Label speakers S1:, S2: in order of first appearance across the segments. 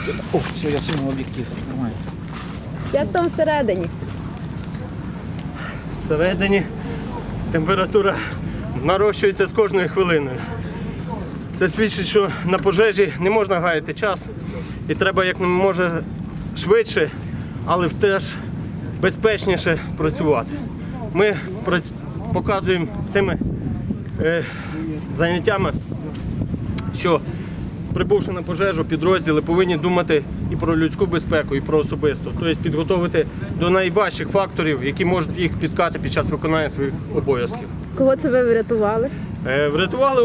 S1: О, все, я всунув об'єктив. Нормально.
S2: Як там всередині?
S3: Всередині температура нарощується з кожною хвилиною. Це свідчить, що на пожежі не можна гаяти час і треба як може швидше, але теж безпечніше працювати. Ми показуємо цими заняттями, що прибувши на пожежу, підрозділи повинні думати і про людську безпеку, і про особисту. Тобто підготовити до найважчих факторів, які можуть їх спіткати під час виконання своїх обов'язків.
S2: Кого це ви врятували?
S3: Врятували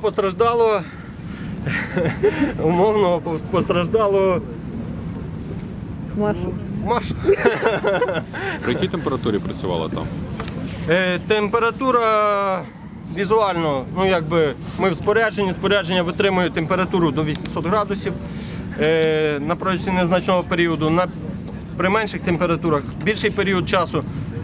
S3: умовного постраждалого
S2: Машу.
S3: Машу.
S4: При якій температурі працювала там?
S3: Температура візуально, ми в спорядження витримує температуру до 800 градусів на протязі незначного періоду. При менших температурах більший період часу.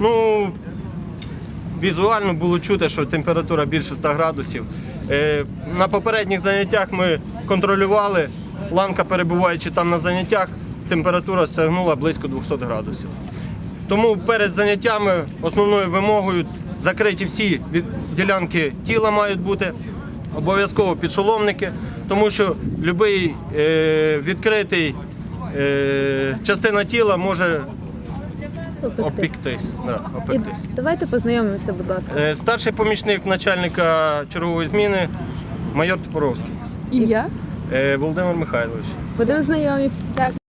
S3: Візуально було чути, що температура більше 100 градусів. На попередніх заняттях ми контролювали, ланка перебуваючи там на заняттях, температура сягнула близько 200 градусів. Тому перед заняттями основною вимогою закриті всі ділянки тіла мають бути, обов'язково підшоломники, тому що будь-який відкритий частина тіла може опіктись.
S2: Давайте познайомимося, будь ласка.
S3: Старший помічник начальника чергової зміни майор Топоровський.
S2: Ім'я?
S3: Володимир Михайлович.
S2: Будемо знайомі.